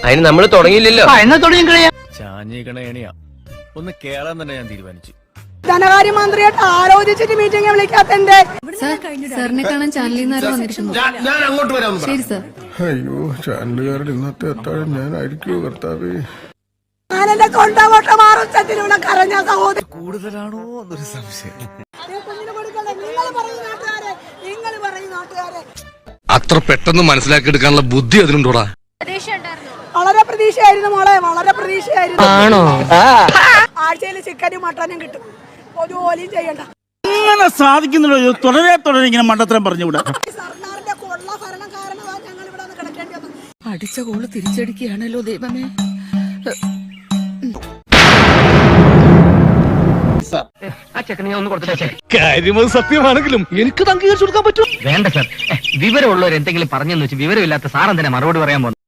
അതിന് നമ്മൾ തുടങ്ങിയില്ലല്ലോ. എന്നാ തുടങ്ങി ചാഞ്ഞിക്കണേണിയാ ഒന്ന് കേറാൻ തന്നെ ഞാൻ തീരുമാനിച്ചു. ധനകാര്യമന്ത്രിയായിട്ട് ആലോചിച്ചിട്ട് മീറ്റിംഗ് വിളിക്കാത്തന്റെ സാറിനെ കാണാൻ ചാനലിൽ നിന്ന് വന്നിരിക്കുന്നു. ഞാൻ അങ്ങോട്ട് വരാം. ശരി സാർ. അയ്യോ ചാനലുകാരുടെ ഇന്നത്തെ അത്താഴം ഞാനായിരിക്കുമോ കർത്താവേ. ഞാനെന്റെ തൊണ്ടകൊട്ട മാറുന്നതിലൂടെ കരഞ്ഞ സഹോദരി കൂടുതലാണോ എന്നൊരു സംശയം. നിങ്ങൾ പറയുന്ന നാട്ടുകാരെ അത്ര പെട്ടെന്ന് മനസ്സിലാക്കിയെടുക്കാനുള്ള ബുദ്ധി അതിനുണ്ടോടാ? വളരെ പ്രതീക്ഷയായിരുന്നു മോളെ, വളരെ പ്രതീക്ഷയായിരുന്നു. ആണോ? ആഴ്ചയിൽ ചിക്കനും മട്ടനും കിട്ടും, ഒരു ജോലിയും ചെയ്യണ്ട. ഇങ്ങനെ സാധിക്കുന്നുള്ളൂ. തുടരെ ഇങ്ങനെ മണ്ടത്തരം പറഞ്ഞുകൂടാ. സർക്കാരിന്റെ കൊള്ള ഭരണം കാരണമാണ് ഞങ്ങൾ ഇവിടെ കിടക്കേണ്ടി വന്നത്. അടിച്ച കോള് തിരിച്ചടിക്കുകയാണല്ലോ ദൈവമേ. ആ ചെക്കനെ ഞാൻ ഒന്ന് കൊടുത്തിട്ടേ. കാര്യമത് സത്യമാണെങ്കിലും എനിക്ക് അംഗീകരിച്ചു കൊടുക്കാൻ പറ്റും. വേണ്ട സാർ, വിവരമുള്ളവർ എന്തെങ്കിലും പറഞ്ഞെന്ന് വെച്ച് വിവരമില്ലാത്ത സാറെന്തിനാ മറുപടി പറയാൻ പോകുന്നത്?